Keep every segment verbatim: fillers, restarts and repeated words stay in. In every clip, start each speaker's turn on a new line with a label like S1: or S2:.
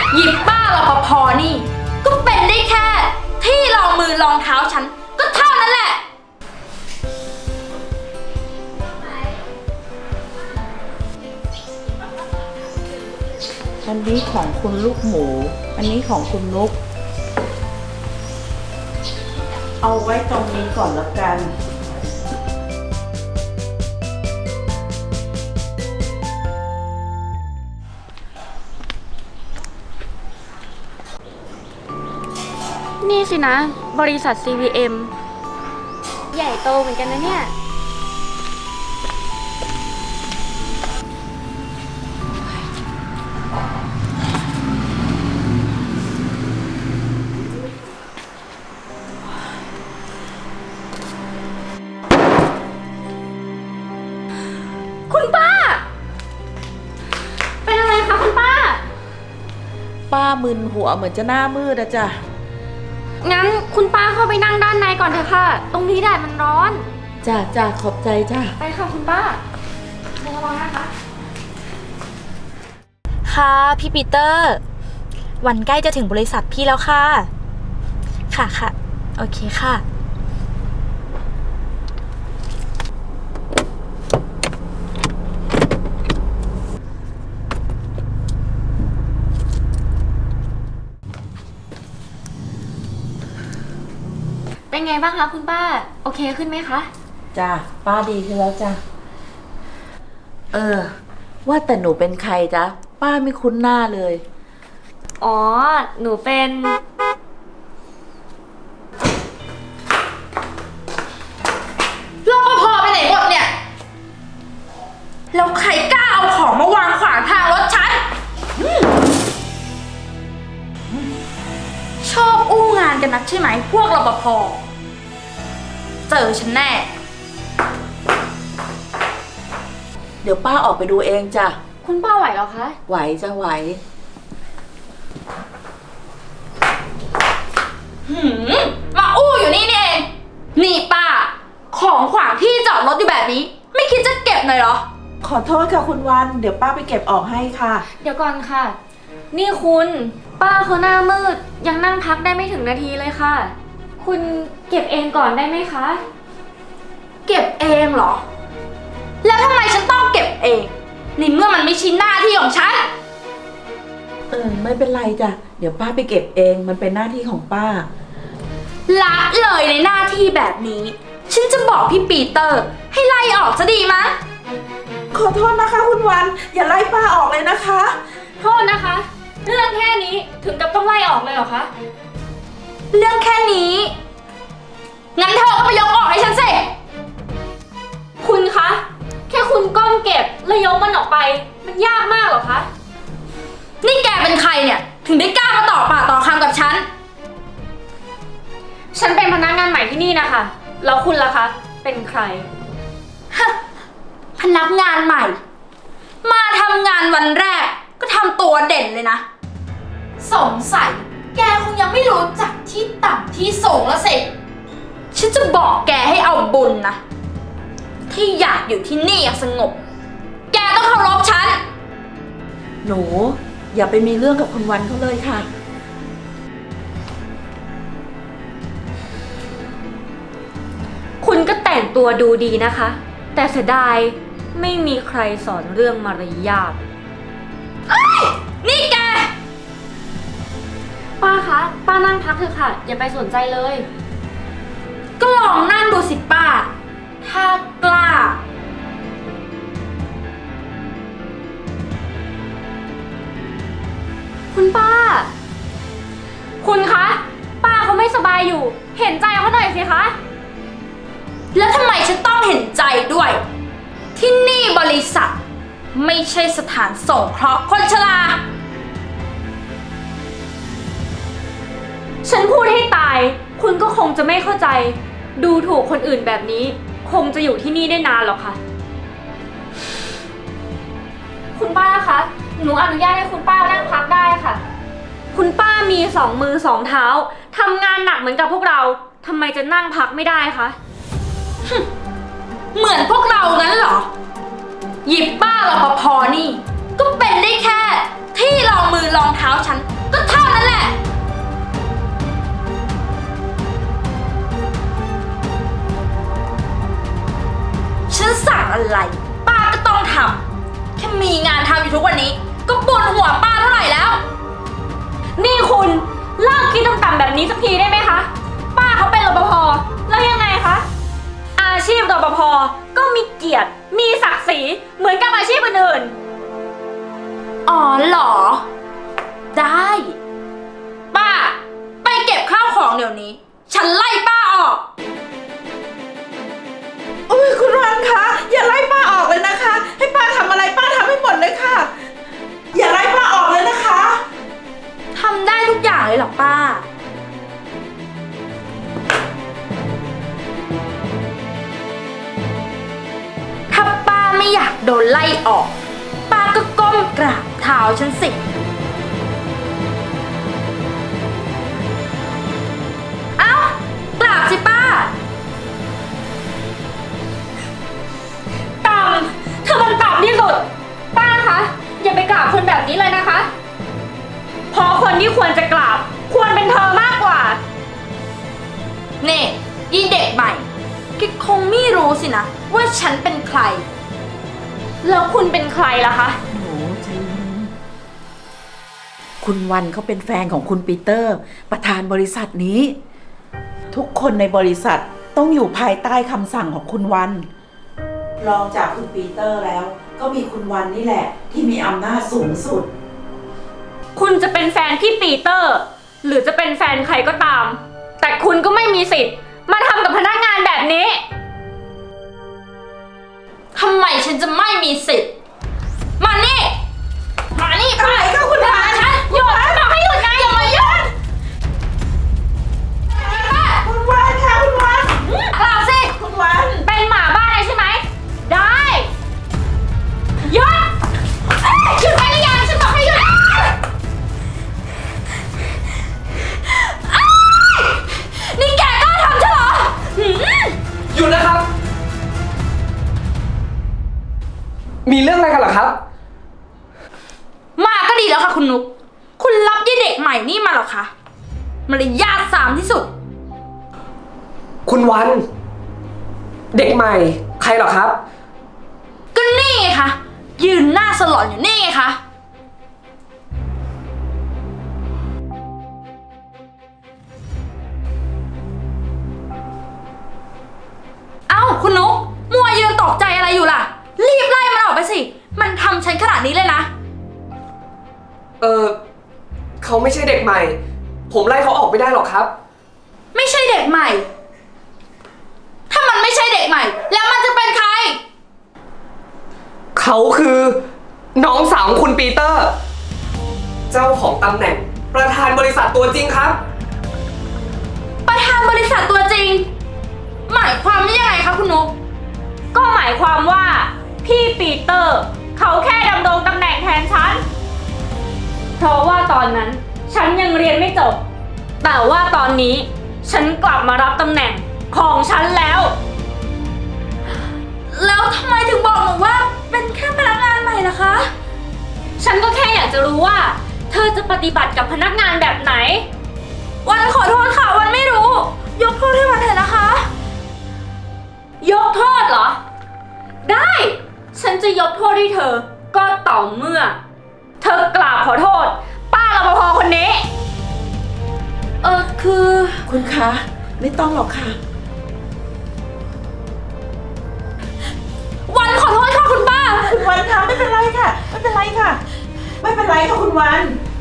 S1: หยิบป้ารปภนี่ก็เป็นได้แค่ที่รองมือรองเท้าฉันก็เท่านั้นแหละ
S2: อันนี้ของคุณลูกหมู อันนี้ของคุณนุกเอาไว้ตรงนี้ก่อนแล้วกัน
S3: นี่สินะ บริษัท ซี วี เอ็ม ใหญ่โตเหมือนกันนะเนี่ย คุณป้า เป็นอะไรคะคุณป้า
S2: ป้ามึนหัวเหมือนจะหน้ามืดอะจ้ะ
S3: งั้นคุณป้าเข้าไปนั่งด้านในก่อนเถอะค่ะ ตรงนี้แดดมันร้อน
S2: จ้าจ้าขอบใจจ้า
S3: ไปค่ะคุณป้าระวังนะคะ
S1: ค่ะพี่ปีเตอร์ วันใกล้จะถึงบริษัทพี่แล้วค่ะ ค่ะค่ะโอเคค่ะ
S3: เป็นไงบ้างคะคุณป้า โอเคขึ้นไหมคะ
S2: จ้าป้าดีขึ้นแล้วจ้าเออ ว่าแต่หนูเป็นใครจ๊ะป้าไม่คุ้นหน้าเลย
S3: อ๋อ หนูเป็น
S1: รปภไปไหนหมดเนี่ย แล้วใครกล้าเอาของมาวางขวางทางรถฉันอืมชอบอู้งานกันนักใช่ไหมพวกรปภเจอฉันแน่
S2: เดี๋ยวป้าออกไปดูเองจ้ะ
S3: คุณป้าไหวเหรอคะ
S2: ไหวจะไหว
S1: หืมมาอู้อยู่นี่นี่เอง นี่ป้า ของขวางที่จอดรถอยู่แบบนี้ ไม่คิดจะเก็บหน่อยเหรอ
S2: ขอโทษค่ะคุณวัน เดี๋ยวป้าไปเก็บออกให้ค่ะ
S3: เดี๋ยวก่อนค่ะ นี่คุณ ป้าเขาหน้ามืด ยังนั่งพักได้ไม่ถึงนาทีเลยค่ะ คุณเก็บเองก่อนได้ไหมคะ
S1: เก็บเองเหรอ แล้วทำไมฉันต้องเก็บเองในเมื่อมันไม่ใช่หน้าที่ของฉัน
S2: เออไม่เป็นไรจ้ะ เดี๋ยวป้าไปเก็บเองมันเป็นหน้าที่ของป้า
S1: ละเลยในหน้าที่แบบนี้ ฉันจะบอกพี่ปีเตอร์ ให้ไล่ออกจะดีมั้ย
S2: ขอโทษนะคะคุณวัน อย่าไล่ป้าออกเลยนะคะ
S3: โทษนะคะ เรื่องแค่นี้ถึงกับต้องไล่ออกเลยเหรอคะ
S1: เรื่องแค่นี้ งั้นเธอก็ไปยกออกให้ฉันสิ
S3: คุณคะ แค่คุณก้มเก็บแล้วยกมันออกไป มันยากมากเหรอคะ
S1: นี่แกเป็นใครเนี่ย ถึงได้กล้ามาต่อปากต่อคำกับฉัน
S3: ฉันเป็นพนักงานใหม่ที่นี่นะคะ แล้วคุณล่ะคะ เป็นใคร
S1: ฮะ พนักงานใหม่ มาทำงานวันแรกก็ทำตัวเด่นเลยนะ สงสัยแกคงยังไม่รู้จักที่ต่ำที่สูงแล้วสิ ฉันจะบอกแกให้เอาบุญนะ ที่อยากอยู่ที่นี่อย่างสงบ แกต้องเคารพฉัน
S2: หนู อย่าไปมีเรื่องกับคุณวันเขาเลยค่ะ
S3: คุณก็แต่งตัวดูดีนะคะ แต่เสียดายไม่มีใครสอนเรื่องมารยาท
S1: นี่แก
S3: ป้าคะ ป้านั่งพักเถอะค่ะ อย่าไปสนใจเลย
S1: ก็ลองนั่งดูสิป้า ถ้ากล้า
S3: คุณป้า คุณคะ ป้าเขาไม่สบายอยู่ เห็นใจเขาหน่อยสิคะ
S1: แล้วทำไมฉันต้องเห็นใจด้วย ที่นี่บริษัท ไม่ใช่สถานสงเคราะห์คนชรา
S3: ฉันพูดให้ตาย คุณก็คงจะไม่เข้าใจ ดูถูกคนอื่นแบบนี้ คงจะอยู่ที่นี่ได้นานหรอกค่ะ คุณป้าคะ หนูอนุญาตให้คุณป้านั่งพักได้ค่ะ คุณป้ามีสองมือสองเท้าทำงานหนักเหมือนกับพวกเราทำไมจะนั่งพักไม่ได้คะ
S1: เหมือนพวกเรางั้นเหรอ หยิบป้ารปภนี่ ก็เป็นได้แค่ที่รองมือรองเท้าฉัน
S3: นี้สักทีได้ไหมคะ ป้าเขาเป็นรปภแล้วยังไงคะ อาชีพรปภก็มีเกียรติ มีศักดิ์ศรีเหมือนกับอาชีพอื่น
S1: อ๋อเหรอ ได้ ป้า ไปเก็บข้าวของเดี๋ยวนี้ ฉันไล่ป้าออก
S2: โอ้ยคุณวันคะอย่าไล่ป้าออกเลยนะคะ ให้ป้าทำอะไรป้าทำให้หมดเลยค่ะ อย่าไล่ป้าออกเลยนะคะ
S1: ทำได้ทุกอย่างเลยเหรอป้า ถ้าป้าไม่อยากโดนไล่ออก ป้าก็ก้มกราบเท้าฉันสิ เอ้ากราบสิป้า
S3: ๆต่ำเธอมันต่ำที่สุด ป้าคะอย่าไปกราบคนแบบนี้เลยนะคะเพราะคนที่ควรจะกราบ ควรเป็นเธอมากกว่า
S1: นี่ยีเด็กใหม่แกคงไม่รู้สินะ ว่าฉันเป็นใคร
S3: แล้วคุณเป็นใครล่ะคะ
S2: หนูใจเย็นคุณวันเขาเป็นแฟนของคุณปีเตอร์ ประธานบริษัทนี้ ทุกคนในบริษัทต้องอยู่ภายใต้คำสั่งของคุณวัน รองจากคุณปีเตอร์แล้ว ก็มีคุณวันนี่แหละ ที่มีอำนาจสูงสุด
S3: คุณจะเป็นแฟนพี่ปีเตอร์ หรือจะเป็นแฟนใครก็ตาม แต่คุณก็ไม่มีสิทธิ์มาทำกับพนักงานแบบนี้
S1: ทำไมฉันจะไม่มีสิทธิ์ มานี่ มานี่ป้า
S2: อะไรคะคุณวาน
S1: ฉันหยุดบอกให้หยุดไงอย่ามายุ่งป้า
S2: คุณวันค่ะคุณวัน
S1: กล่าวสิ
S2: คุณวัน
S3: เป็นหมาบ้านเลยใช่ไหม ได้หยุด
S1: เอ้ยหยุดไปหรือยังฉันบอกให้หยุดเอ้ยนี่แกกล้าทำฉันเหรอหืม
S4: หยุดนะครับ มีเรื่องอะไรกันเหรอครับ
S1: มาก็ดีแล้วค่ะคุณนุก คุณรับยี่เด็กใหม่นี่มาเหรอคะมารยาทสามที่สุด
S4: คุณวัน เด็กใหม่ ใครเหรอครับ
S1: ก็นี่ไงคะ ยืนหน้าสลอนอยู่นี่ไงคะ เอ้าคุณนุก มัวยืนตกใจอะไรอยู่ล่ะ รีบไล่มันออกไปสิ มันทำฉันขนาดนี้เลยนะ
S4: เออเขาไม่ใช่เด็กใหม่ ผมไล่เขาออกไม่ได้หรอกครับ
S1: ไม่ใช่เด็กใหม่ ถ้ามันไม่ใช่เด็กใหม่ แล้วมันจะเป็นใคร
S4: เขาคือน้องสาวของคุณปีเตอร์ เจ้าของตำแหน่ง ประธานบริษัทตัวจริงครับ
S1: ประธานบริษัทตัวจริง หมายความว่ายังไงคะคุณนุก
S3: ก็หมายความว่า พี่ปีเตอร์ เขาแค่ดำรงตำแหน่งแทนฉัน เพราะว่าตอนนั้น ฉันยังเรียนไม่จบ แต่ว่าตอนนี้ ฉันกลับมารับตำแหน่งของฉันแล้ว
S1: แล้วทำไมถึงบอกหนูว่าเป็นแค่พนักงานใหม่ล่ะคะ
S3: ฉันก็แค่อยากจะรู้ว่า เธอจะปฏิบัติกับพนักงานแบบไหน
S1: วันขอโทษค่ะ วันไม่รู้ ยกโทษให้วันเถอะนะคะ
S3: ยกโทษเหรอ ได้ ฉันจะยกโทษให้เธอ ก็ต่อเมื่อ เธอกราบขอโทษ ป้ารปภคนนี้
S1: เออคือ
S2: คุณคะ ไม่ต้องหรอกค่ะ
S1: วันขอโทษค่ะคุณป้า
S2: คุณวันคะไม่เป็นไรค่ะ ไม่เป็นไรค่ะ ไม่เป็นไรค่ะคุณวัน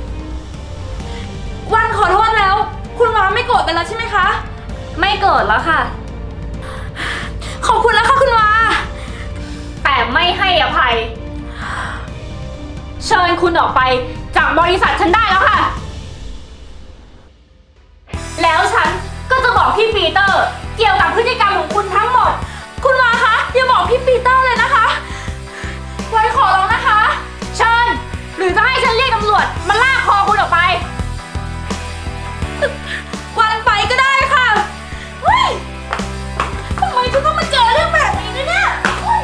S1: วันขอโทษแล้ว คุณวาไม่โกรธกันแล้วใช่ไหมคะ
S3: ไม่เกิดแล้วค่ะ
S1: ขอบคุณแล้วค่ะคุณวา
S3: แต่ไม่ให้อภัย เชิญคุณออกไปจากบริษัทฉันได้แล้วค่ะ แล้วฉันก็จะบอกพี่ปีเตอร์ เกี่ยวกับพฤติกรรมของคุณทั้งหมด
S1: คุณวาคะอย่าบอกพี่ปีเตอร์เลยนะคะ วันขอร้องนะคะ
S3: เชิญ หรือจะให้ฉันเรียกตำรวจมาลากคอคุณออกไป
S1: วันไปก็ได้ค่ะเฮ้ยทำไมฉันต้องมาเจอเรื่องแบบนี้ด้วยเนี่ยเฮ้ย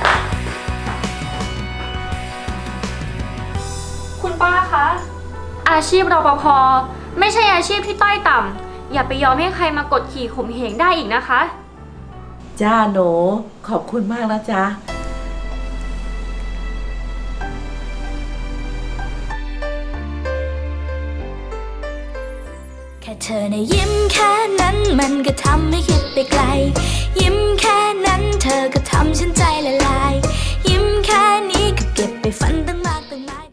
S3: คุณป้าคะ อาชีพรปภไม่ใช่อาชีพที่ต้อยต่ำอย่าไปยอมให้ใครมากดขี่ข่มเหงได้อีกนะคะ
S2: จ้าหนูขอบคุณมากนะจ๊ะ
S5: แค่เธอในะยิ้มแค่นั้นมันก็ทำให้คิดไปไกล ยิ้มแค่นั้นเธอก็ทำฉันใจละลาย ยิ้มแค่นี้ก็เก็บไปฝันตั้งมากตั้งหลาย